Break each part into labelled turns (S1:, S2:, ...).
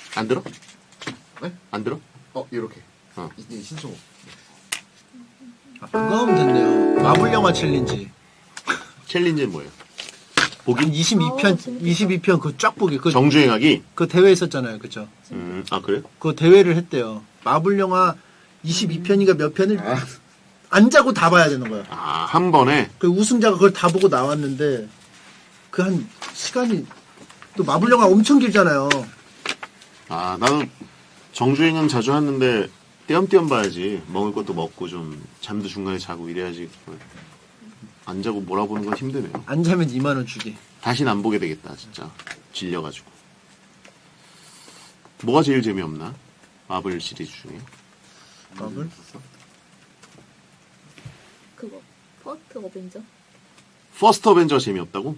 S1: 안 들어?
S2: 네?
S1: 안 들어?
S2: 이렇게.
S1: 어.
S2: 이게 신청.
S3: 그거 하면 됐네요. 마블 영화 챌린지.
S1: 챌린지는 뭐예요?
S3: 보기? 22편, 22편 그 쫙 보기. 그
S1: 정주행하기?
S3: 그 대회 있었잖아요. 그쵸?
S1: 아, 그래요?
S3: 그 대회를 했대요. 마블 영화 22편인가 몇 편을 안 자고 다 봐야 되는 거야.
S1: 아, 한 번에?
S3: 그 우승자가 그걸 다 보고 나왔는데 그 한 시간이 또 마블 영화 엄청 길잖아요.
S1: 아, 나도 정주행은 자주 하는데 띄엄띄엄 봐야지. 먹을 것도 먹고 좀 잠도 중간에 자고 이래야지. 안 자고 몰아보는 건 힘드네요.
S3: 안 자면 2만 원 주기.
S1: 다시는 안 보게 되겠다, 진짜. 질려가지고. 뭐가 제일 재미없나? 마블 시리즈 중에.
S3: 마블?
S4: 그거 퍼스트 어벤져?
S1: 퍼스트 어벤져가 재미없다고?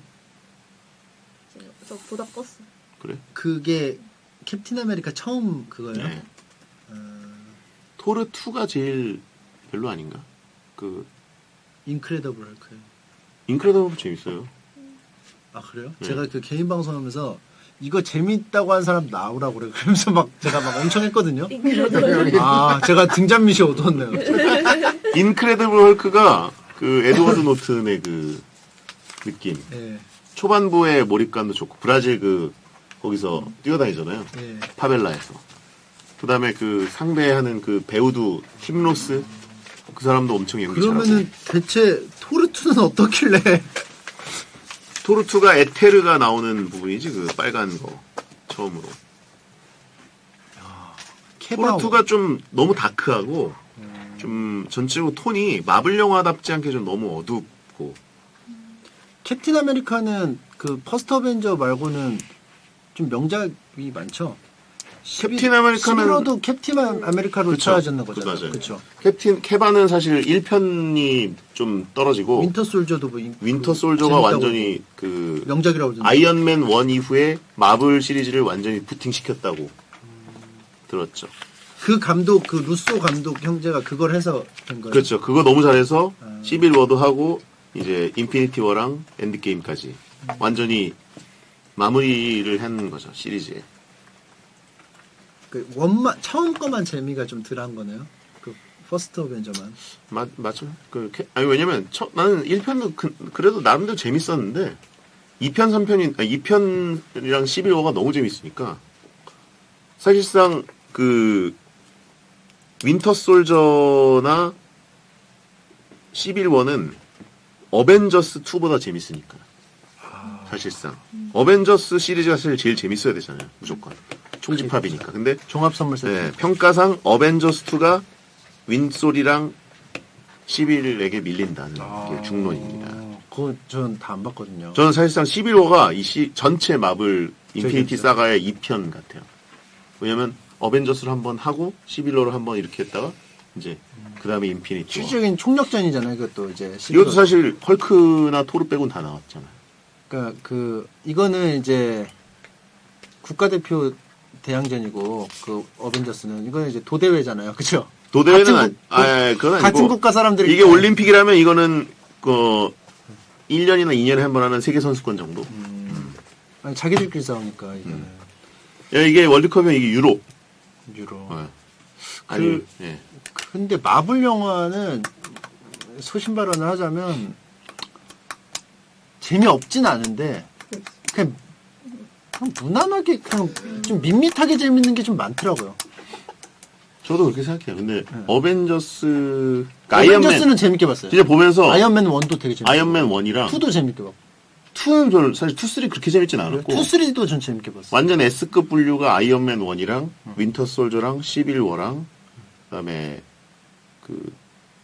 S4: 저 보다 껐어.
S1: 그래?
S3: 그게 캡틴 아메리카 처음 그거예요?
S1: 네. 토르 2가 제일 별로 아닌가? 그
S3: 인크레더블 헐크요.
S1: 인크레더블 재밌어요.
S3: 아 그래요?
S1: 네.
S3: 제가 그 개인 방송하면서 이거 재밌다고 한 사람 나오라고 그래. 그러면서 막 제가 막 엄청 했거든요. 아 제가 등잔 밑이 어두웠네요.
S1: 인크레더블 헐크가 그 에드워드 노튼의 그 느낌.
S3: 예.
S1: 초반부의 몰입감도 좋고 브라질 그 거기서 뛰어다니잖아요.
S3: 예.
S1: 파벨라에서. 그다음에 그 상대하는 그 배우도 팀 로스 그 사람도 엄청 연기 잘하고.
S3: 그러면은 대체 토르투는 어떻길래?
S1: 토르2가 에테르가 나오는 부분이지 그 빨간 거 처음으로.
S3: 케바오.
S1: 토르2가 좀 너무 다크하고 좀 전체적으로 톤이 마블 영화답지 않게 좀 너무 어둡고.
S3: 캡틴 아메리카는 그 퍼스트 어벤져 말고는 좀 명작이 많죠.
S1: 캡틴 아메리카는
S3: 11호도 캡틴 아메리카로
S1: 그쵸.
S3: 찾아졌는 거잖아요.
S1: 맞아요.
S3: 그렇죠.
S1: 케바는 사실 1편이 좀 떨어지고
S3: 윈터 솔저도 뭐
S1: 윈터 솔저가
S3: 재밌다고
S1: 완전히 그
S3: 명작이라고 그러던데.
S1: 아이언맨 1 이후에 마블 시리즈를 완전히 부팅시켰다고 들었죠.
S3: 그 감독 그 루소 감독 형제가 그걸 해서 된 거예요.
S1: 그렇죠. 그거 너무 잘해서 시빌 워도 하고 이제 인피니티 워랑 엔드게임까지 완전히 마무리를 한 거죠. 시리즈에.
S3: 그 원만 처음 거만 재미가 좀 덜한 거네요. 그 퍼스트 어벤져만.
S1: 맞죠. 아니 왜냐면 나는 1편도 그래도 나름대로 재밌었는데 2편 3편이 2편이랑 시빌 워가 너무 재밌으니까 사실상 그 윈터 솔저나 시빌 워는 어벤져스 2보다 재밌으니까. 사실상 어벤져스 시리즈가 사실 제일 재밌어야 되잖아요. 무조건 총집합이니까. 근데
S3: 종합 선물 세트.
S1: 네, 평가상 어벤져스 2가 윈솔이랑 시빌에게 밀린다는 게 중론입니다.
S3: 그거 전 다 안 봤거든요.
S1: 저는 사실상 시빌워가 전체 마블 인피니티 사가의 2편 같아요. 왜냐면 어벤져스를 한번 하고 시빌워를 한번 이렇게 했다가 이제 그 다음에 인피니티 워.
S3: 실질적인 총력전이잖아요. 그것도 이제.
S1: 이것도 사실 헐크나 토르 빼곤 다 나왔잖아요.
S3: 그러니까 그 이거는 이제 국가대표 대항전이고 그 어벤져스는 이거는 이제 도대회잖아요. 그렇죠?
S1: 도대회는
S3: 같은
S1: 그건 아니고
S3: 같은 국가 사람들이
S1: 이게 올림픽이라면 이거는 그 1년이나 2년에 한 번 하는 세계 선수권 정도.
S3: 아니 자기들끼리 싸우니까 이거는
S1: 이게 월드컵이면 이게 유로.
S3: 유로.
S1: 아니, 예.
S3: 근데 마블 영화는 소신 발언을 하자면 재미없진 않은데 그냥 무난하게 그냥 좀 밋밋하게 재밌는 게 좀 많더라고요.
S1: 저도 그렇게 생각해요. 근데 어벤져스는
S3: 어벤져스는 재밌게 봤어요.
S1: 진짜 보면서
S3: 아이언맨 1도 되게 재밌게
S1: 아이언맨 1이랑
S3: 2도 재밌게 봤고
S1: 2는 저는 사실 2, 3 그렇게 재밌진 않았고
S3: 2, 3도 전 재밌게 봤어요.
S1: 완전 S급 분류가 아이언맨 1이랑 윈터 솔저랑 시빌 워랑 그다음에 그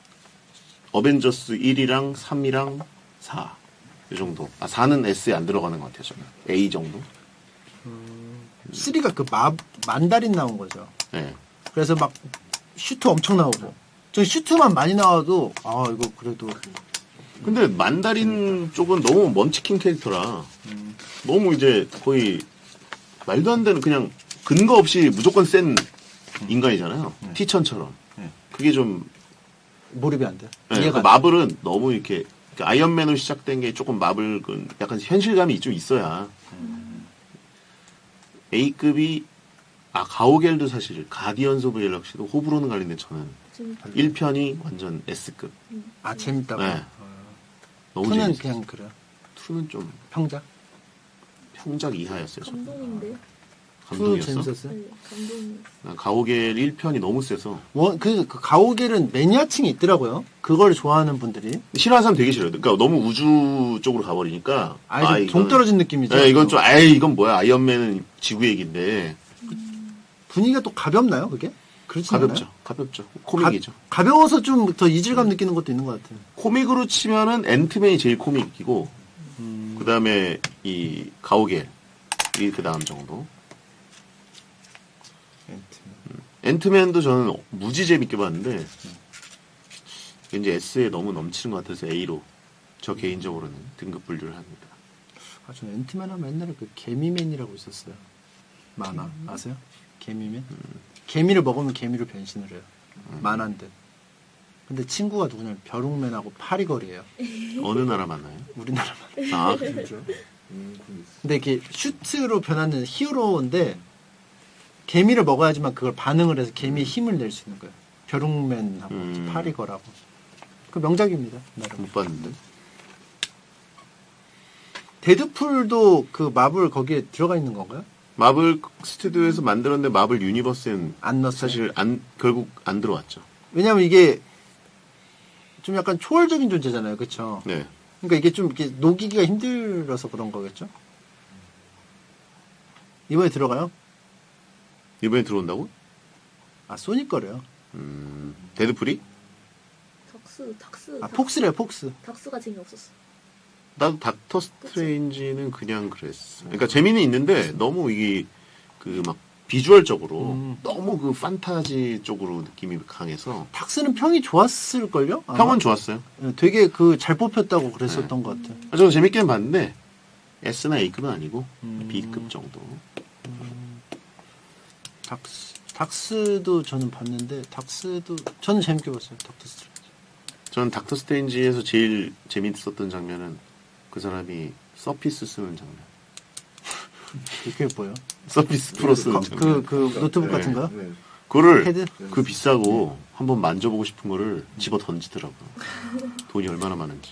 S1: 어벤져스 1이랑 3이랑 4 이 정도. 4는 S에 안 들어가는 것 같아요. 저는 A 정도.
S3: 3가 그 만다린 나온 거죠.
S1: 네.
S3: 그래서 막 슈트 엄청 나오고 저 슈트만 많이 나와도 이거 그래도
S1: 근데 만다린 쪽은 너무 먼치킨 캐릭터라 너무 이제 거의 말도 안 되는 그냥 근거 없이 무조건 센 인간이잖아요. 티천처럼. 그게 좀
S3: 몰입이 안 돼.
S1: 네,
S3: 이해가
S1: 그
S3: 안 돼.
S1: 마블은 너무 이렇게 아이언맨으로 시작된 게 조금 마블은 약간 현실감이 좀 있어야 A급이 가오갤도 사실 가디언즈 오브 갤럭시도 호불호는 갈리는데 저는
S4: 지금
S1: 1편이 완전 S급.
S3: 아 재밌다고.
S1: 네. 너무
S3: 2는
S1: 재밌었어요.
S3: 그냥 그래요.
S1: 2는 좀
S3: 평작.
S1: 평작 이하였어요. 저는.
S4: 감동인데.
S3: 2
S1: 감동이었어?
S3: 재밌었어요.
S4: 네, 감동.
S1: 난 가오갤 1편이 너무 세서
S3: 그 가오갤은 매니아층이 있더라고요. 그걸 좋아하는 분들이.
S1: 싫어하는 사람 되게 싫어요. 그러니까 너무 우주 쪽으로 가버리니까
S3: 아예 좀 동떨어진 느낌이죠.
S1: 네, 이건 좀 이건 뭐야? 아이언맨은 지구 얘기인데
S3: 분위기가 또 가볍나요, 그게? 그렇지
S1: 가볍죠.
S3: 않아요?
S1: 가볍죠. 코믹이죠.
S3: 가벼워서 좀 더 이질감 느끼는 것도 있는 것 같아요.
S1: 코믹으로 치면은 앤트맨이 제일 코믹이고 그 다음에 이 가오갤이 그 다음 정도. 앤트맨도 저는 무지 재밌게 봤는데 왠지 S에 너무 넘치는 것 같아서 A로 저 개인적으로는 등급 분류를 합니다.
S3: 아, 저는 앤트맨 하면 옛날에 그 개미맨이라고 있었어요. 만화 아세요? 개미맨? 개미를 먹으면 개미로 변신을 해요. 만화인데. 근데 친구가 누구냐면 벼룩맨하고 파리걸이에요.
S1: 어느 나라 맞나요?
S3: 우리나라만.
S1: 아,
S3: 근데 이게 슈트로 변하는 히어로인데 개미를 먹어야지만 그걸 반응을 해서 개미의 힘을 낼 수 있는 거예요. 벼룩맨하고 파리걸하고. 그 명작입니다. 나름.
S1: 못 봤는데.
S3: 데드풀도 그 마블 거기에 들어가 있는 건가요?
S1: 마블 스튜디오에서 만들었는데 마블 유니버스엔
S3: 안 넣었어요.
S1: 사실 결국 안 들어왔죠.
S3: 왜냐면 이게 좀 약간 초월적인 존재잖아요. 그렇죠?
S1: 네.
S3: 그러니까 이게 좀 이렇게 녹이기가 힘들어서 그런 거겠죠? 이번에 들어가요?
S1: 이번에 들어온다고?
S3: 아, 소니 거래요.
S1: 데드풀이?
S4: 닥스.
S3: 아, 폭스래요, 폭스.
S4: 닥스가 재미없었어.
S1: 나도 닥터 스트레인지는 그냥 그랬어. 그러니까 재미는 있는데 너무 이게 그 막 비주얼적으로 너무 그 판타지 쪽으로 느낌이 강해서
S3: 탁스는 평이 좋았을걸요? 아마?
S1: 평은 좋았어요.
S3: 되게 그 잘 뽑혔다고 그랬었던 것 같아요.
S1: 저도 재밌게는 봤는데 S나 A급은 아니고 B급 정도.
S3: 닥스도 저는 봤는데 닥스도 저는 재밌게 봤어요. 닥터 스트레인지.
S1: 저는 닥터 스트레인지에서 제일 재밌었던 장면은 그 사람이 서피스 쓰는 장면.
S3: 그게 뭐예요?
S1: 서피스 프로 쓰는 장면.
S3: 그 노트북 같은 거요?
S2: 네.
S1: 그거를
S3: 헤드?
S1: 그 비싸고 한번 만져보고 싶은 거를 집어 던지더라고요. 돈이 얼마나 많은지.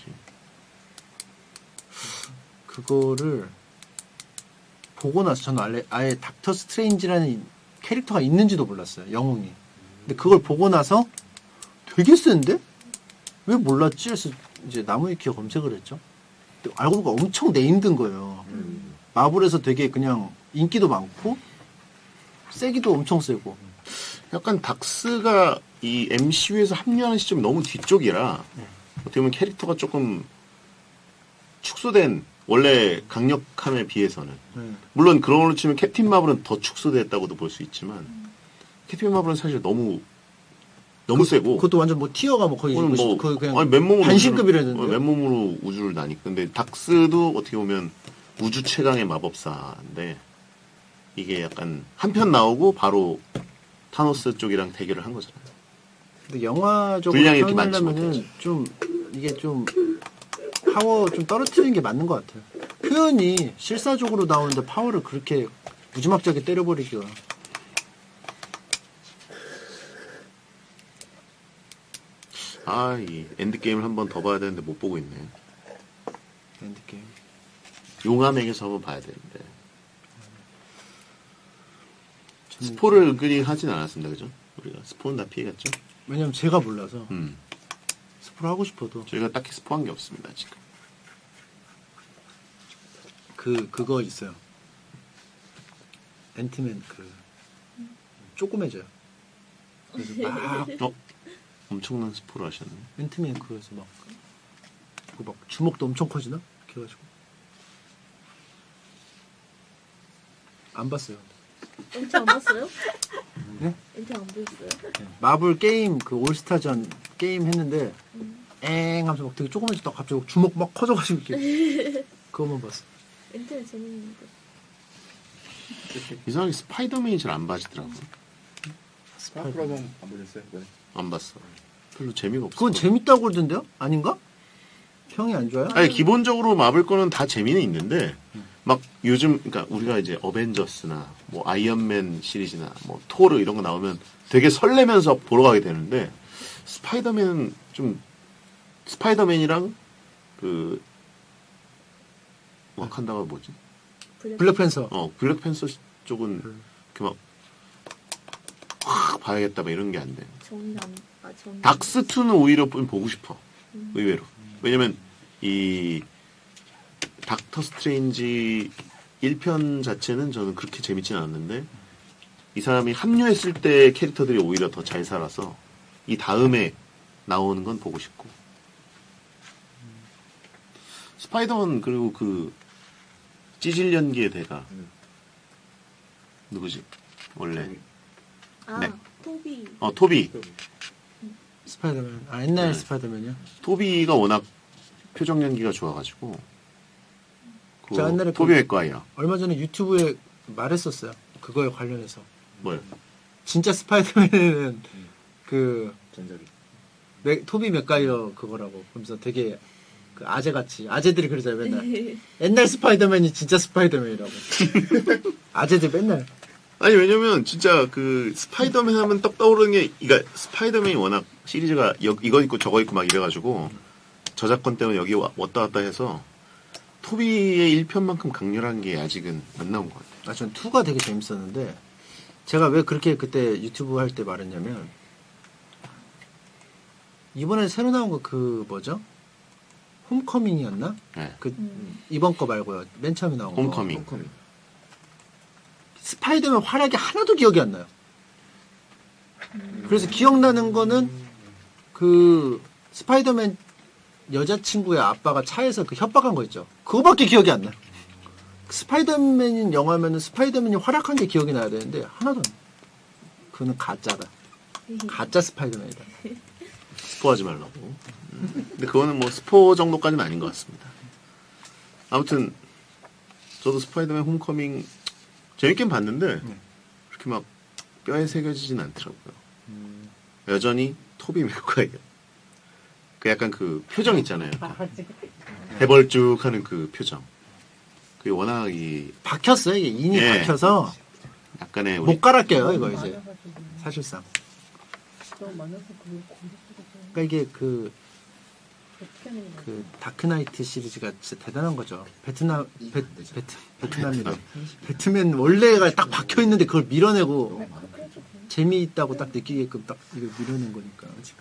S3: 그거를 보고 나서 저는 아예 닥터 스트레인지라는 캐릭터가 있는지도 몰랐어요. 영웅이. 근데 그걸 보고 나서 되게 센데? 왜 몰랐지? 해서 이제 나무위키에 검색을 했죠. 근데 알고 보니까 엄청 네임든 거예요. 마블에서 되게 그냥 인기도 많고 세기도 엄청 세고.
S1: 약간 닥스가 이 MCU에서 합류하는 시점이 너무 뒤쪽이라 어떻게 보면 캐릭터가 조금 축소된 원래 강력함에 비해서는 물론 그런 걸로 치면 캡틴 마블은 더 축소됐다고도 볼 수 있지만 캡틴 마블은 사실 너무 세고
S3: 그것도 완전 뭐 티어가 뭐 거의 거의 그냥
S1: 맨몸으로
S3: 반신급이라는데.
S1: 맨몸으로 우주를 나니까. 근데 닥스도 어떻게 보면 우주 최강의 마법사인데 이게 약간 한 편 나오고 바로 타노스 쪽이랑 대결을 한 거잖아요.
S3: 근데 영화적으로
S1: 분량이 이렇게 많지
S3: 표현하려면은 좀 이게 좀 파워 좀 떨어뜨리는 게 맞는 것 같아요. 표현이 실사적으로 나오는데 파워를 그렇게 무지막지하게 때려버리기가.
S1: 이 엔드게임을 한 번 더 봐야 되는데 못 보고 있네.
S3: 엔드게임.
S1: 용암에게서 한번 봐야 되는데. 스포를 은근히 하진 않았습니다. 그죠? 우리가 스포는 다 피해갔죠?
S3: 왜냐면 제가 몰라서 스포를 하고 싶어도
S1: 저희가 딱히 스포한 게 없습니다. 지금.
S3: 그거 있어요. 앤트맨 조그매져요. 그래서 막
S1: 엄청난 스포를 하셨네.
S3: 앤트맨 그래서 막 주먹도 엄청 커지나? 이렇게 해가지고 안 봤어요.
S4: 엔티 안 봤어요?
S3: 네?
S4: 엔티 안 보였어요?
S3: 마블 게임 그 올스타전 게임 했는데 엥 하면서 막 되게 조그매졌다 갑자기 주먹 막 커져가지고 이렇게 그것만 봤어.
S4: 엔티는 재밌는데.
S1: 이상하게 스파이더맨이 잘 안 봐지더라고.
S2: 스파크라면 안 보셨어요? 네.
S1: 안 봤어. 별로 재미가 없어.
S3: 그건 재밌다고 그러던데요? 아닌가? 평이 안 좋아요?
S1: 아니 기본적으로 마블 거는 다 재미는 있는데 막 요즘 그러니까 우리가 이제 어벤져스나 뭐 아이언맨 시리즈나 뭐 토르 이런 거 나오면 되게 설레면서 보러 가게 되는데 스파이더맨은 좀 스파이더맨이랑 그 와칸다가 뭐지?
S3: 블랙팬서.
S1: 블랙팬서 쪽은 이렇게 막 확 봐야겠다 막 이런 게 안 돼.
S4: 정.
S1: 닥스2는 오히려 좀 보고 싶어. 의외로. 왜냐면 이 닥터 스트레인지 1편 자체는 저는 그렇게 재밌진 않았는데 이 사람이 합류했을 때 캐릭터들이 오히려 더 잘 살아서 이 다음에 나오는 건 보고 싶고 스파이더맨 그리고 그 찌질 연기의 대가 누구지? 원래 네.
S4: 토비.
S1: 토비.
S3: 스파이더맨. 옛날
S1: 네.
S3: 스파이더맨이요?
S1: 토비가 워낙 표정 연기가 좋아가지고
S3: 저 옛날에
S1: 토비 맥과이어
S3: 얼마 전에 유튜브에 말했었어요. 그거에 관련해서.
S1: 뭐요?
S3: 진짜 스파이더맨은 그
S2: 전작이.
S3: 토비 맥가이어 그거라고. 그러면서 되게 그 아재같이 아재들이 그러잖아요 맨날. 옛날 스파이더맨이 진짜 스파이더맨이라고. 아재들 맨날.
S1: 아니 왜냐면 진짜 그 스파이더맨 하면 떡 떠오르는 게 그러니까 스파이더맨이 워낙 시리즈가 이거 있고 저거 있고 막 이래가지고 저작권 때문에 여기 왔다 갔다 해서 토비의 1편만큼 강렬한 게 아직은 안 나온 것 같아요.
S3: 전 2가 되게 재밌었는데 제가 왜 그렇게 그때 유튜브 할 때 말했냐면 이번에 새로 나온 거 그 뭐죠? 홈커밍이었나?
S1: 네.
S3: 그 이번 거 말고요. 맨 처음에 나온 거.
S1: 홈커밍.
S3: 스파이더맨 활약이 하나도 기억이 안 나요. 그래서 기억나는 거는 그 스파이더맨 여자친구의 아빠가 차에서 그 협박한 거 있죠. 그거밖에 기억이 안 나요. 스파이더맨인 영화면은 스파이더맨이 활약한 게 기억이 나야 되는데 하나도 안 나요. 그거는 가짜다. 가짜 스파이더맨이다.
S1: 스포하지 말라고. 근데 그거는 뭐 스포 정도까지는 아닌 것 같습니다. 아무튼 저도 스파이더맨 홈커밍 재밌긴 봤는데 그렇게 막 뼈에 새겨지진 않더라고요. 여전히 토비 맥과이어. 그 약간 그 표정 있잖아요. 해벌쭉하는 그 표정. 그게 워낙 이
S3: 박혔어요. 이게 인이
S1: 예.
S3: 박혀서
S1: 약간의 우리
S3: 못 갈아껴요. 이거 이제 사실상. 그러니까 이게 그 다크나이트 시리즈가 진짜 대단한 거죠. 베트남이래. 배트맨 원래가 딱 박혀 있는데 그걸 밀어내고 재미있다고 딱 느끼게끔 딱 이거 밀어낸 거니까 지금.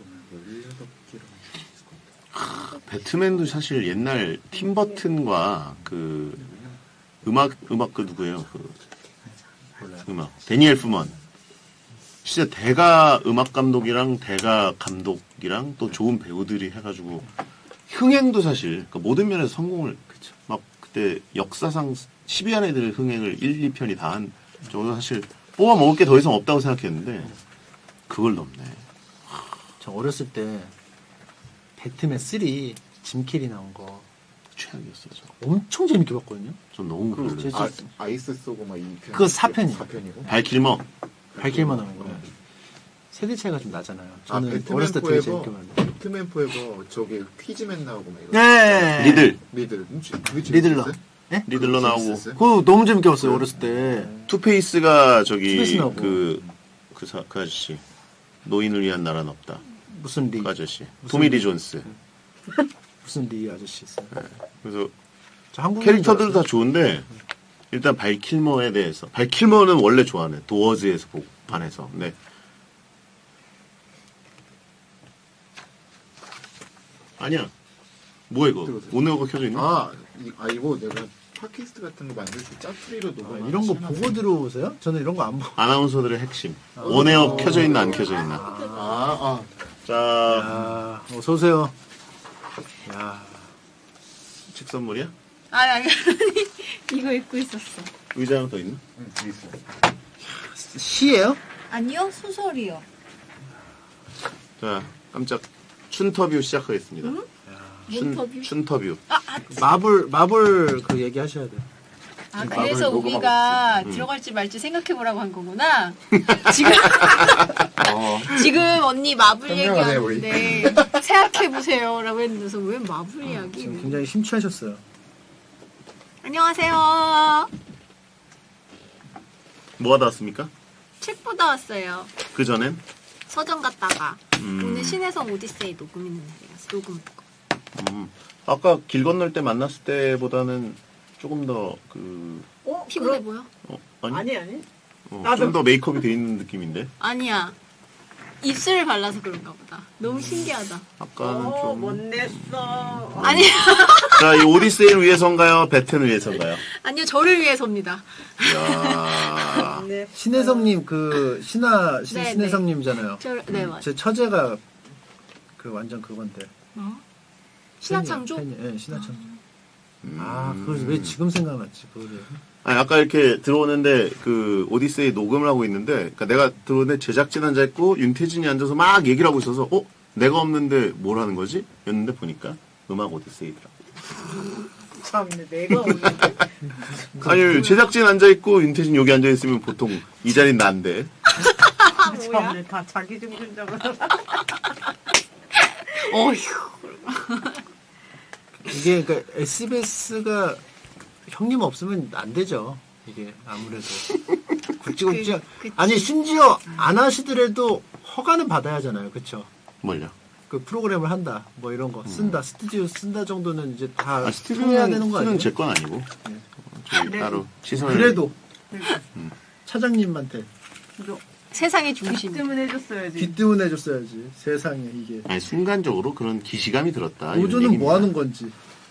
S1: 배트맨도 사실 옛날 팀버튼과 그 음악 그 누구예요? 그 음악 데니엘 프먼. 진짜 대가 음악 감독이랑 대가 감독이랑 또 좋은 배우들이 해가지고 흥행도 사실 그러니까 모든 면에서 성공을 막 그때 역사상 10위 안에 들 흥행을 1, 2편이 다 한 저도 사실 뽑아 먹을 게 더 이상 없다고 생각했는데 그걸 넘네.
S3: 저 어렸을 때 배트맨 3 짐 캐리 나온 거
S1: 최악이었어요. 저.
S3: 엄청 재밌게 봤거든요.
S1: 전 너무 별로였어요.
S2: 아이스 쏘고 막 이.
S3: 그거 4편이에요.
S2: 4편이고.
S1: 발킬머.
S3: 밝힐만 나온 거. 세대 차이가 좀 나잖아요. 저는
S2: 배트맨
S3: 어렸을 때 되게
S2: 포에버.
S3: 재밌게 봤는데.
S2: 배트맨 포에버 저기 퀴즈맨 나오고 막 이런.
S3: 네.
S1: 리들.
S2: 그게
S3: 리들러.
S2: 재밌었어요?
S3: 예?
S1: 리들러 나오고
S2: 재밌었어요?
S3: 그거 너무 재밌게 봤어요. 어렸을 때.
S1: 투페이스가 저기
S3: 투페이스 나오고.
S1: 그 아저씨 노인을 위한 나라는 없다.
S3: 무슨 리
S1: 그 아저씨 토미 리 존스.
S3: 무슨 리 아저씨 있어요.
S1: 그래서
S3: 저 한국
S1: 캐릭터들도 다 좋은데 일단 발킬머에 대해서 발킬머는 원래 좋아하네. 도어즈에서 반해서. 네. 아니야. 뭐야 이거?
S2: 들어오세요.
S1: 오네오가 켜져 있나?
S2: 이거 내가 팟캐스트 같은 거 만들 때 짜투리로 녹음.
S3: 이런 거 보고 들어오세요? 저는 이런 거 안 보고.
S1: 아나운서들의 핵심. 원에어 켜져 있나 안 켜져 있나. 자,
S3: 야, 어서 오세요. 야,
S1: 책 선물이야?
S5: 아니 이거 입고 있었어.
S1: 의자 하나 더 있나?
S2: 있어.
S3: 시예요?
S5: 아니요 소설이요.
S1: 자, 깜짝 춘터뷰 시작하겠습니다.
S4: 몬터뷰?
S1: 춘터뷰.
S3: 마블 그 얘기 하셔야 돼요.
S5: 아 그래서
S2: 녹음하고
S5: 우리가 들어갈지 말지 생각해 보라고 한 거구나. 지금 지금 언니 마블
S2: 현명하네, 우리.
S5: 얘기하는데 생각해 보세요라고 했는데서 왜 마블 이야기?
S3: 지금 굉장히 심취하셨어요.
S5: 안녕하세요.
S1: 뭐 하다 왔습니까?
S5: 책 보다 왔어요.
S1: 그 전엔?
S5: 서점 갔다가 오늘 신혜성 오디세이 녹음 있는 날이라서 녹음 보고.
S1: 아까 길 건널 때 만났을 때보다는 조금 더 그...
S5: 피곤해 보여?
S1: 아니?
S6: 아니.
S1: 좀 더 메이크업이 돼 있는 느낌인데?
S5: 아니야. 입술을 발라서 그런가 보다. 너무 신기하다.
S1: 아까는 좀...
S6: 못 냈어.
S5: 아니야.
S1: 자, 이 오디세이를 위해서인가요? 배튼을 위해서인가요?
S5: 아니요, 저를 위해서입니다.
S1: 이야...
S6: 네.
S3: 신혜성님 그
S5: 네,
S3: 신혜성님이잖아요.
S5: 네, 맞아요.
S3: 제 처제가 그 완전 그건데.
S5: 신화창조?
S3: 네, 신화창조. 아, 그걸 왜 지금 생각났지? 그거를.
S1: 아니, 아까 이렇게 들어오는데 그 오디세이 녹음을 하고 있는데, 그러니까 내가 들어오는데 제작진 앉아있고 윤태진이 앉아서 막 얘기를 하고 있어서, 내가 없는데 뭘 하는 거지? 였는데 보니까 음악 오디세이더라고.
S6: 참네, 내가 오는데.
S1: 아니, 제작진 앉아있고 윤태진 여기 앉아있으면 보통 이 자리는 난데.
S6: 참네, 다 자기 중심적으로.
S5: 어휴.
S3: 이게 그러니까 SBS가 형님 없으면 안 되죠. 이게 아무래도 굵직굵직.
S5: 그치.
S3: 아니 심지어 안 하시더라도 허가는 받아야 하잖아요. 그렇죠?
S1: 뭘요?
S3: 그 프로그램을 한다, 뭐 이런 거 쓴다, 스튜디오 쓴다 정도는 이제 다
S1: 아,
S3: 통해야 되는 거 아니에요?
S1: 스튜디오는 제 건 아니고. 저희
S6: 네.
S1: 따로 시선을.
S3: 그래도 차장님한테
S5: 세상의 중심.
S6: 뜸은 해줬어야지.
S3: 귀뜸은 해줬어야지. 세상에 이게
S1: 아니, 순간적으로 그런 기시감이 들었다. 이런
S3: 노조는
S1: 얘기입니다.
S3: 뭐 하는 건지.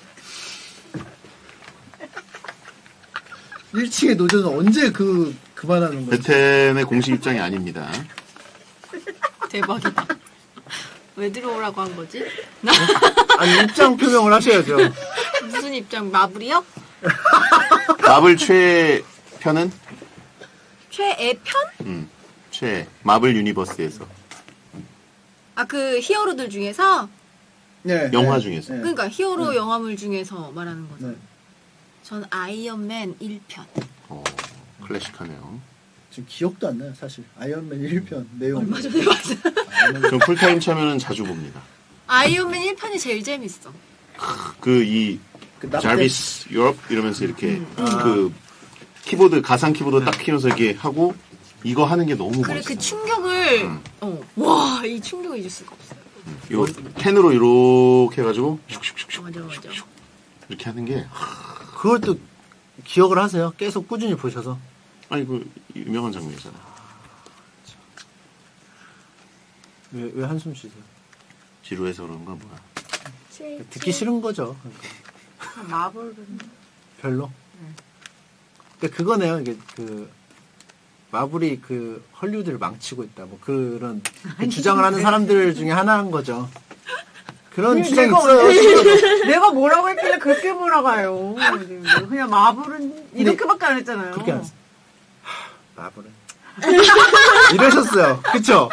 S3: 1층의 노조는 언제 그만하는 건지.
S1: 베텐의 공식 입장이 아닙니다.
S5: 대박이다. 왜 들어오라고 한 거지?
S3: 아니 입장 표명을 하셔야죠.
S5: 무슨 입장? 마블이요?
S1: 마블 최편은?
S5: 최애 편?
S1: 최 마블 유니버스에서
S5: 아, 그 히어로들 중에서?
S3: 네,
S1: 영화
S3: 네,
S1: 중에서.
S3: 네.
S5: 그러니까 히어로
S3: 네.
S5: 영화물 중에서 말하는 거죠.
S3: 네.
S5: 전 아이언맨 1편.
S1: 클래식하네요.
S3: 지금 기억도 안 나요, 사실. 아이언맨 1편 내용.
S5: 얼마 전에 봤어.
S1: 전 풀타임 참여는 자주 봅니다.
S5: 아이언맨 1편이 제일 재밌어.
S1: 그
S3: 납땜.
S1: 자비스 유럽 이러면서 이렇게 그 키보드 가상 키보드 딱 키면서 이렇게 하고 이거 하는 게 너무
S5: 그래,
S1: 멋있어.
S5: 그 충격을, 와, 이 충격을 잊을 수가 없어요.
S1: 요 펜으로 이렇게 해가지고 슉슉슉슉
S5: 맞아, 맞아.
S1: 이렇게 하는 게
S3: 그걸 또 기억을 하세요? 계속 꾸준히 보셔서.
S1: 아니 그 유명한 장면이잖아.
S3: 왜 한숨 쉬세요?
S1: 지루해서 그런가 뭐야.
S3: 듣기 싫은 거죠. 그러니까.
S6: 마블은.
S3: 별로. 그러니까 그거네요. 이게 그 마블이 그 헐리우드를 망치고 있다. 뭐 그런 그 주장을 하는 사람들 중에 하나인 거죠. 그런 주장이 있어요.
S6: 내가 뭐라고 했길래 그렇게 몰아가요. 그냥 마블은 이렇게밖에 안 했잖아요.
S3: 그렇게 안 했어요. 마블은 이러셨어요. 그쵸?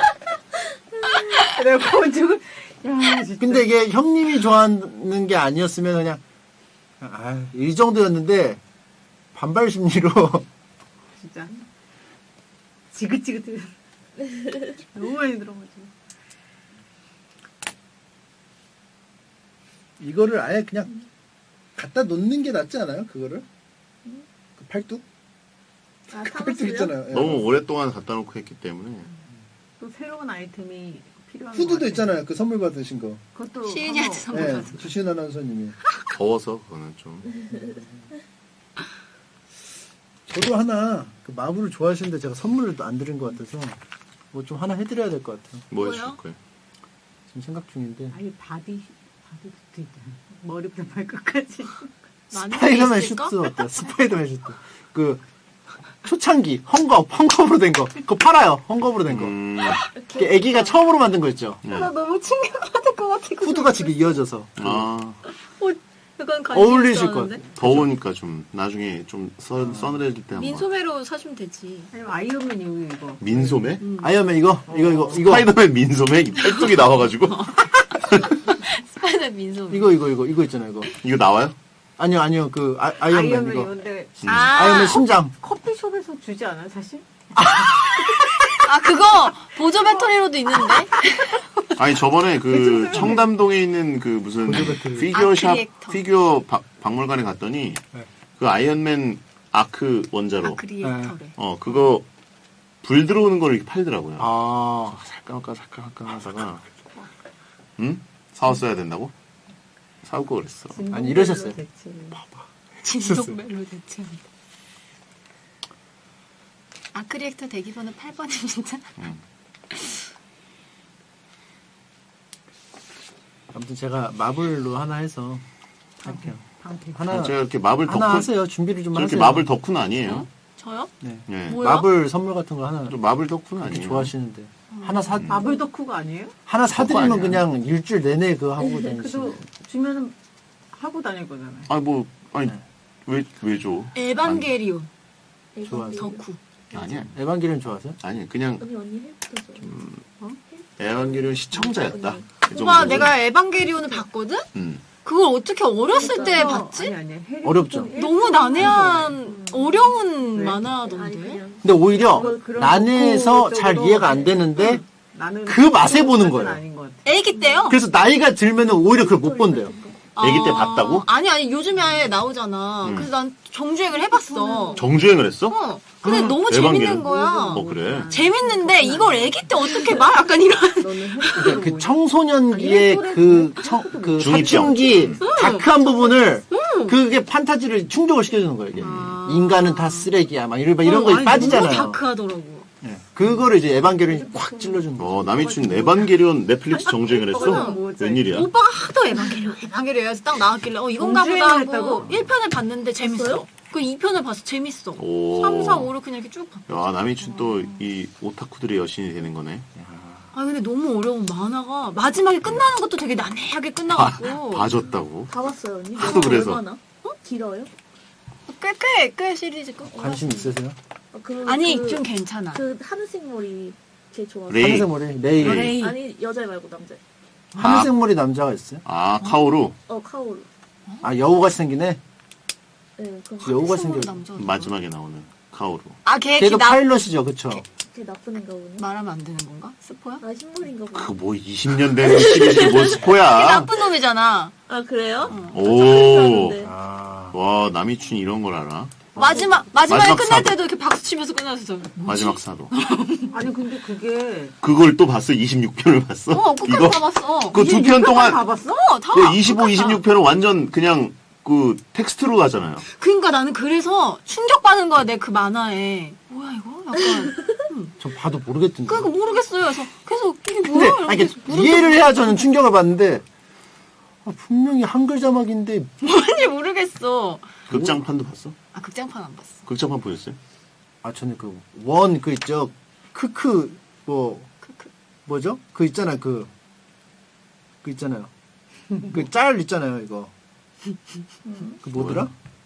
S6: 내가 지금 야 진짜.
S3: 근데 이게 형님이 좋아하는 게 아니었으면 그냥 이 정도였는데 반발 심리로
S6: 진짜 지긋지긋해. 너무 많이 들어가지고.
S3: 이거를 아예 그냥 갖다 놓는 게 낫지 않아요? 그거를? 그 팔뚝?
S4: 아,
S3: 그 팔뚝 있잖아요. 예.
S1: 너무 오랫동안 갖다 놓고 했기 때문에
S6: 또 새로운 아이템이 필요한 것
S3: 후드도
S6: 같아요.
S3: 있잖아요. 그 선물 받으신 거.
S6: 그것도
S5: 시은이한테 선물
S3: 네,
S5: 받은.
S3: 주신 아나운서님이.
S1: 더워서 그거는 좀
S3: 저도 하나 그 마블을 좋아하시는데 제가 선물을 또 안 드린 것 같아서 뭐 좀 하나 해드려야 될 것 같아요.
S1: 뭐
S5: 뭐요?
S1: 해줄 거예요?
S3: 지금 생각 중인데.
S6: 아니 바디도 있잖아. 머리부터 발끝까지.
S5: 많은 게
S3: 스파이더맨
S5: 있을까?
S3: 슈트 어때요? 스파이더맨 슈트. 그 초창기 헝겊으로 된 거. 그거 팔아요. 헝겊으로 된 거. 그 애기가 처음으로 만든 거 있죠.
S5: 나 너무 충격받을 것 같아.
S3: 후드가 지금 이어져서
S5: 그건
S3: 어울리실 것
S5: 같아.
S1: 더우니까 좀 나중에 좀 서늘해질 때 한번.
S5: 민소매로 사주면 되지.
S6: 아니면 아이언맨 여기 이거.
S1: 민소매?
S3: 아이언맨 이거.
S1: 스파이더맨 민소매 이 팔뚝이 나와가지고
S5: 스파이더맨 민소매.
S3: 이거 있잖아요. 이거
S1: 나와요?
S3: 아니요 그 아이언맨
S6: 아이언맨
S3: 이거.
S6: 이건데
S3: 아이언맨 심장.
S6: 커피숍에서 주지 않아요 사실?
S5: 아, 그거 보조 배터리로도 있는데.
S1: 아니 저번에 그 청담동에 있는 그 무슨
S3: 보조 배터리.
S1: 피규어샵
S5: 크리에이터.
S1: 피규어 박물관에 갔더니
S3: 네.
S1: 그 아이언맨 아크 원자로.
S5: 크리에이터래.
S1: 그거 불 들어오는 걸 이렇게 팔더라고요.
S3: 아,
S1: 살까 하다가 응? 사왔어야 된다고? 사올 거 그랬어.
S3: 아니, 이러셨어요.
S5: 진동벨로 대체한다. 아크리에이터 대기번호 8번입니다.
S3: 아무튼 제가 마블로 하나 해서 할게요. 하나
S1: 제가 이렇게 마블
S3: 하나
S1: 덕후
S3: 하세요. 준비를 좀
S1: 저렇게
S3: 하세요.
S1: 마블 덕후는 아니에요.
S5: 저요?
S3: 네.
S1: 예.
S5: 뭐야?
S3: 마블 선물 같은 거 하나
S1: 저 마블 덕후는
S3: 이렇게
S1: 아니에요.
S3: 좋아하시는데 하나
S6: 마블 덕후가 아니에요?
S3: 하나 사드리면
S1: 아니야.
S3: 그냥 일주일 내내 그거 하고
S6: 그래도
S3: 다니시는.
S6: 주면은 하고 다닐 거잖아요.
S1: 아니
S3: 네.
S1: 왜 줘?
S5: 에반게리온
S3: 좋아하세요?
S5: 덕후.
S1: 아니야.
S3: 에반게리온 좋아하세요?
S1: 아니 그냥
S4: 언니 헬프도 줘.
S1: 에반게리온 시청자였다. 그
S5: 오빠
S1: 정도로.
S5: 내가 에반게리온을 봤거든?
S1: 음.
S5: 그걸 어떻게 어렸을 때 봤지?
S6: 아니
S3: 어렵죠.
S5: 너무 난해한 어려운
S6: 네.
S5: 만화던데.
S4: 아니 그냥
S3: 근데 오히려
S6: 그런
S3: 난해에서
S6: 덕후
S3: 잘
S6: 쪽으로
S3: 이해가 안 되는데
S6: 나는
S3: 그 맛에 보는 거예요.
S6: 아닌 것 같아.
S5: 애기 때요?
S3: 그래서 나이가 들면은 오히려 그걸 못 본대요.
S1: 애기 때 봤다고?
S5: 아니 요즘에 아예 나오잖아. 그래서 난 정주행을 해봤어.
S1: 정주행을 했어?
S5: 근데 너무
S1: 에반게리온?
S5: 재밌는 거야.
S1: 그래.
S5: 재밌는데 이걸 애기 때 어떻게 봐? 약간 이런.
S6: 너는
S3: 그러니까 그 청소년기의 그
S1: 중이병.
S3: 사춘기 다크한 부분을 그게 판타지를 충족을 시켜주는 거예요. 이게.
S5: 아.
S3: 인간은 다 쓰레기야. 막 이런 거
S5: 아니,
S3: 빠지잖아요.
S5: 너무 다크하더라고.
S3: 네. 그거를 이제 에반게리온이 꽉 찔러주는 거예요.
S1: 남이춘 에반게리온 넷플릭스 정주행을 했어?
S6: 뭐지?
S1: 웬일이야?
S5: 오빠가 하도 에반게리온 해서 딱 나왔길래 이건가 보다
S6: 정주행을
S5: 하고
S6: 했다고?
S5: 1편을 봤는데 재밌어. 그 2편을 봤어. 재밌어.
S1: 오.
S5: 3, 4, 5를 그냥 이렇게 쭉 봤어.
S1: 남이춘 또 이 오타쿠들의 여신이 되는 거네.
S5: 아 근데 너무 어려운 만화가 마지막에 끝나는 것도 되게 난해하게 끝나갖고
S1: 봐줬다고?
S4: 다 봤어요 언니.
S1: 하도 그래서.
S4: 얼마나? 길어요?
S5: 꽤 시리즈 끝.
S3: 관심 있으세요?
S5: 아니
S4: 그,
S5: 좀 괜찮아.
S4: 그 하늘색 머리 제일 좋아.
S1: 레이.
S3: 하늘색 머리 레이.
S5: 레이.
S4: 아니 여자 말고 남자.
S3: 하늘색 머리 남자가 있어요?
S1: 카오루
S4: 카오루.
S3: 아 여우같이 생기네.
S4: 네, 그럼
S3: 여우가
S5: 하늘색 머리
S3: 생겨.
S5: 남자.
S1: 마지막에 나오는 카오루.
S3: 걔도 파일럿이죠, 그쵸?
S4: 걔 나쁜 애인가 보네.
S5: 말하면 안 되는 건가? 스포야?
S4: 흰머리인가 보네.
S1: 그 뭐 20년 된 시리즈 뭐
S5: 걔
S1: 스포야?
S5: 나쁜 놈이잖아.
S4: 아 그래요?
S1: 오.
S4: 네.
S1: 와 남이춘 이런 걸 알아?
S5: 마지막에
S1: 마지막
S5: 끝날
S1: 사도.
S5: 때도 이렇게 박수 치면서 끝났어.
S1: 마지막 사도.
S6: 아니 근데 그게
S1: 그걸 또 봤어? 26편을 봤어?
S5: 끝까지
S1: 이거?
S5: 다 봤어.
S1: 그 2편 동안
S6: 다 봤어?
S5: 다.
S1: 그 25, 26편은 완전 그냥 그 텍스트로 가잖아요.
S5: 그러니까 나는 그래서 충격받은 거야, 내 그 만화에. 뭐야, 이거? 약간.
S3: 전 봐도 모르겠던데.
S5: 그러니까 모르겠어요. 그래서 계속 이게
S3: 근데
S5: 뭐야?
S3: 아니,
S5: 이러면서
S3: 이해를 해야 저는 충격을 받는데 분명히 한글 자막인데
S5: 뭔지 모르겠어.
S1: 극장판도 봤어?
S5: 극장판 안 봤어.
S1: 극장판 보셨어요?
S3: 저는 그 원 그 있죠. 크크
S5: 크크.
S3: 뭐죠? 그 있잖아요. 그 있잖아요. 그 짤 있잖아요. 이거 그 뭐더라?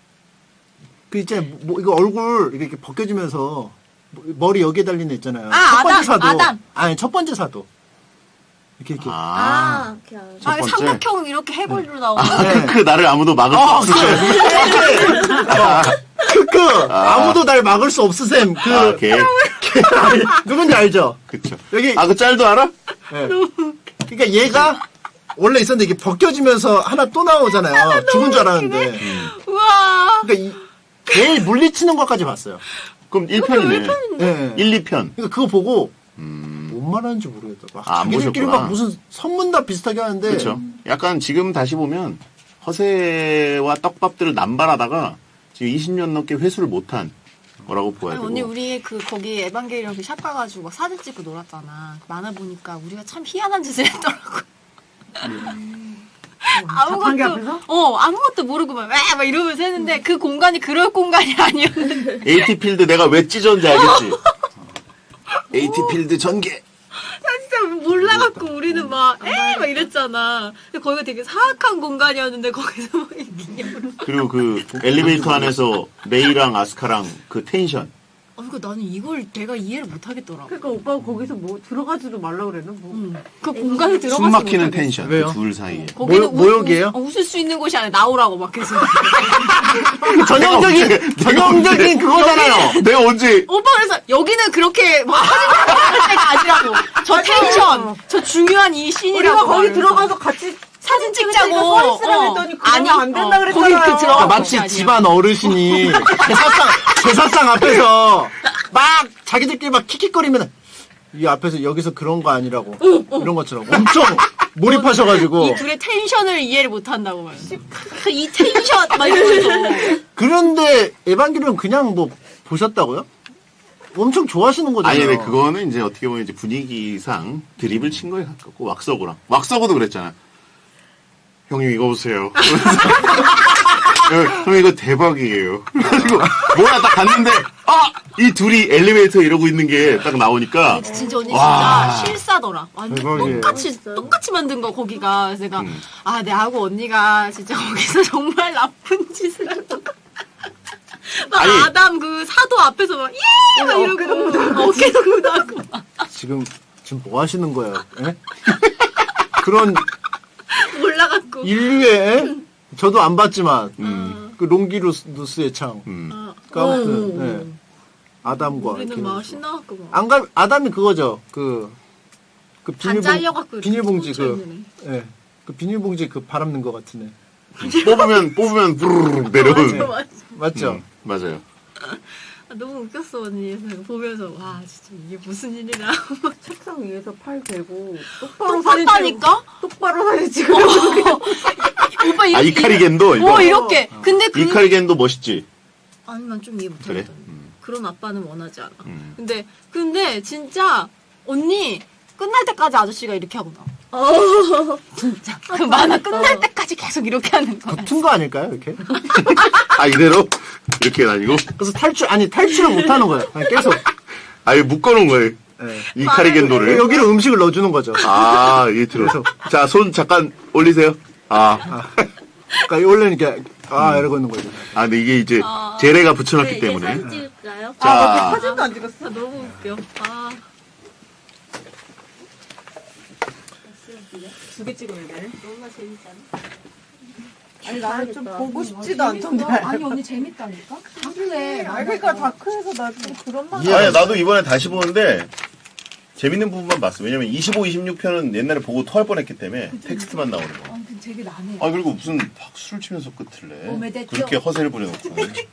S3: 그 있잖아요. 이거 얼굴 이렇게 벗겨지면서 머리 여기에 달린 애 있잖아요. 첫 번째 사도.
S5: 아담.
S3: 아니 첫 번째 사도. 이렇게
S4: 걔 알아.
S1: 첫 번째.
S5: 삼각형 이렇게 해골로 나오는.
S1: 그 나를 아무도 막을 수 없을 때.
S3: 크크 아무도 날 막을 수 없으셈.
S1: 걔.
S3: 누군지 알죠?
S1: 그쵸.
S3: 여기
S1: 그 짤도 알아?
S3: 네. 그러니까 얘가 원래 있었는데 이게 벗겨지면서 하나 또 나오잖아요. 죽은 줄 알았는데.
S5: 우와.
S3: 그러니까 걔 물리치는 것까지 봤어요.
S1: 그럼 1편이네.
S3: 네.
S1: 1, 2편.
S3: 그러니까 그거 보고 뭔 말하는지 모르겠다. 막
S1: 안
S3: 자기들끼리
S1: 보셨구나.
S3: 막 무슨 선문답 비슷하게 하는데.
S1: 그렇죠. 약간 지금 다시 보면 허세와 떡밥들을 남발하다가 지금 20년 넘게 회수를 못한 거라고 보아야
S5: 아니,
S1: 되고.
S5: 언니 우리 거기 에반게리온 샵 가가지고 막 사진 찍고 놀았잖아. 만화 보니까 우리가 참 희한한 짓을 했더라고.
S6: 자판기 앞에서?
S5: 아무것도 모르고 막 이러면서 했는데 그 공간이 그럴 공간이 아니었는데.
S1: 에이티필드 내가 왜 찢었는지 알겠지? 에이티필드 전개.
S5: 진짜 몰라갖고 우리는 막 이랬잖아. 근데 거기가 되게 사악한 공간이었는데 거기서 막 기념으로.
S1: 그리고 그 엘리베이터 안에서 메이랑 아스카랑 그 텐션.
S5: 그러니까 나는 이걸 내가 이해를 못 하겠더라고.
S6: 그러니까 오빠가 거기서 뭐 들어가지도 말라 그랬나 뭐.
S5: 그 공간에 들어가서
S1: 숨 막히는
S5: 못하겠어.
S1: 텐션.
S3: 왜요?
S1: 그 둘 사이에.
S5: 거기는
S3: 모욕이에요?
S5: 웃을 수 있는 곳이 아니라 나오라고 막 계속.
S3: 전형적인 그거잖아요.
S1: 내가 언제
S5: 오빠 그래서 여기는 그렇게 막 사진 찍을 때가 아니라고. 저 텐션, 저 중요한 이
S6: 우리가
S5: 씬이라고.
S6: 거기
S5: 말하면서.
S6: 들어가서 같이
S5: 사진 찍자고.
S6: 서 있으라고 했더니 그러면 안 된다 그랬잖아요.
S5: 거기 그 들어가.
S3: 그러니까 마치 집안 어르신이 제사상 앞에서 막 자기들끼리 막 킥킥거리면 이 앞에서 여기서 그런 거 아니라고 이런 것처럼 엄청 몰입하셔가지고
S5: 이 둘의 텐션을 이해를 못한다고 말이야. 이 텐션 막 이러면서.
S3: 그런데 에반게리온 그냥 뭐 보셨다고요? 엄청 좋아하시는 거잖아요.
S1: 아니, 근데 그거는 이제 어떻게 보면 이제 분위기상 드립을 친 거에 가깝고, 왁서고도 그랬잖아. 형님, 이거 보세요. 형, 이거 대박이에요. 그래가지고, 뭐야, 딱 갔는데, 이 둘이 엘리베이터 이러고 있는 게 딱 나오니까,
S5: 진짜 언니
S1: 와.
S5: 진짜 실사더라. 완전
S3: 대박이에요.
S5: 똑같이 만든 거 거기가. 그래서 내가 내하고 언니가 진짜 거기서 정말 나쁜 짓을 한 것 같아. 막
S1: 아니.
S5: 아담 그 사도 앞에서 막 예! 막 이러고 어깨도 묻하고
S3: 지금 뭐 하시는 거예요? 예? 그런
S5: 올라갔고.
S3: 인류의 저도 안 봤지만
S1: 음.
S3: 그 롱기누스의 창. 그 아무튼 예. 아담과
S5: 우리는
S3: 이렇게
S5: 막
S3: 해서.
S5: 신나갖고 막.
S3: 안 아담이 그거죠. 그
S5: 반 잘려갖고
S3: 비닐봉지
S5: 이렇게 꽂혀있는
S3: 예. 그 비닐봉지 그 바람 는 거 같은 애.
S1: 뽑으면 부르르 내려오는.
S5: 맞아, 맞아.
S3: 맞죠?
S1: 맞아요.
S5: 너무 웃겼어 언니. 그래서 보면서 와 진짜 이게 무슨 일이라.
S6: 책상 위에서 팔 대고 똑바로 사진 찍고
S5: 똑같다니까?
S6: 똑바로 사진 찍고
S5: 오빠 이렇게.
S1: 이카리겐도 이거.
S5: 이렇게. 근데 그
S1: 이카리겐도 멋있지.
S5: 아니 난 좀 이해 못하겠다.
S1: 그래?
S5: 그런 아빠는 원하지 않아.
S1: 음.
S5: 근데 진짜 언니 끝날 때까지 아저씨가 이렇게 하고 나와. 진짜 그 만화 끝날 때까지 계속 이렇게 하는 거야.
S3: 붙은 거 아닐까요, 이렇게?
S1: 이대로? 이렇게 다니고?
S3: 그래서 탈출을 못 하는 거예요. 그냥 계속.
S1: 아예 묶어놓은 거예요.
S3: 예.
S1: 이카리겐도를.
S3: 여기로 음식을 넣어주는 거죠.
S1: 이게 들어. 자, 손 잠깐 올리세요.
S3: 그러니까 원래는 이렇게 이러고 있는 거죠.
S1: 근데 이게 이제 재래가 붙여놨기
S4: 네, 이제
S1: 때문에.
S4: 사진 찍을까요?
S1: 자,
S6: 사진도 안 찍었어.
S5: 너무 웃겨.
S6: 두 개 찍어야 돼.
S4: 너무 재밌잖아.
S6: 아니 나는 좀
S4: 재밌다.
S6: 보고 싶지도 않던데.
S5: 아니 언니 재밌다니까? 그래.
S6: 그러니까 다크해서 나 좀 그런 말.
S1: 아니, 나도 이번에 다시 보는데 재밌는 부분만 봤어. 왜냐면 25, 26편은 옛날에 보고 토할 뻔했기 때문에 텍스트만 나오는 거.
S5: 아무튼 되게 나네.
S1: 그리고 무슨 박수를 치면서 끝을 내.
S5: 오메데또.
S1: 그렇게 허세를 부려놓고.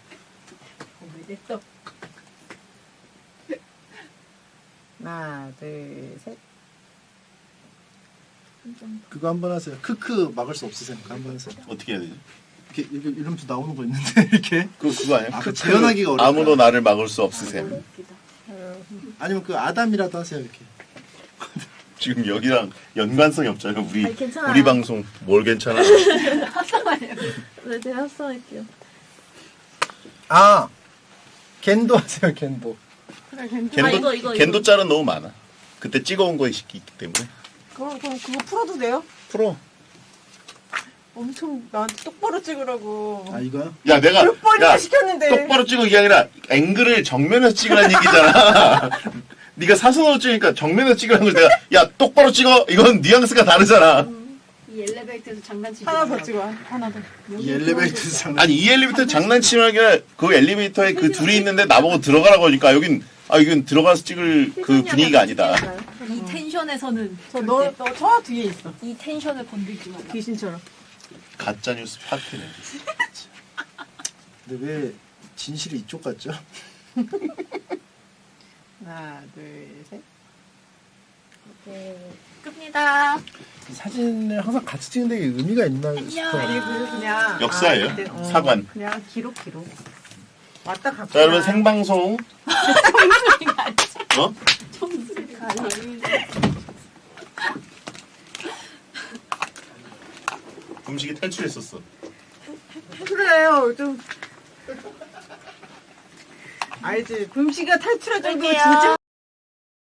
S6: 하나, 둘, 셋.
S3: 그거 한번 하세요. 크크 막을 수 없으세요. 그거 한번 하세요.
S1: 어떻게 해야 되지?
S3: 이렇게 이러면서 나오는 거 있는데 이렇게.
S1: 그거 아니야?
S3: 그 재현하기가 어렵다.
S1: 아무도 나를 막을 수 없으셈.
S3: 아니면 그 아담이라도 하세요, 이렇게.
S1: 지금 여기랑 연관성이 없잖아요.
S4: 아니, 괜찮아요.
S1: 우리 방송 뭘 괜찮아?
S4: 네, 제가 합성할게요.
S3: 겐도 하세요, 겐도.
S1: 겐도 짤은 너무 많아. 그때 찍어온 거 있기 때문에.
S6: 그럼 그거 풀어도 돼요?
S1: 풀어.
S6: 엄청 나한테 똑바로 찍으라고.
S3: 이거요?
S1: 야, 내가
S6: 몇 번이나 시켰는데.
S1: 똑바로 찍어 이게 아니라 앵글을 정면에서 찍으라는 얘기잖아. 네가 사선으로 찍으니까 정면에서 찍으라는 걸 내가 야 똑바로 찍어. 이건 뉘앙스가 다르잖아.
S5: 이 엘리베이터에서 장난치지.
S6: 하나 더 찍어. 하나 더.
S3: 이 엘리베이터에서 장난.
S1: 아니 이 엘리베이터 장난치는 게 아니라 그 엘리베이터에 그 둘이 있는데 나보고 들어가라고 하니까 여긴 들어가서 찍을 그 분위기가 아니다.
S5: 이 텐션에서는
S6: 너 저 뒤에 있어.
S5: 이 텐션을 건들지 마.
S6: 귀신처럼.
S1: 가짜 뉴스 파티네.
S3: 근데 왜 진실이 이쪽 같죠?
S6: 하나, 둘, 셋.
S4: 네.
S5: 끝니다.
S3: 사진을 항상 같이 찍는데 이게 의미가 있나 싶어요.
S6: 그리고 그냥
S1: 역사예요.
S6: 그때,
S1: 사관.
S6: 그냥 기록. 왔다 갔다.
S1: 자 여러분 생방송. 어? 음식이 탈출했었어.
S6: 그래요. 좀 알지. 붐씨가 탈출할 정도면 진짜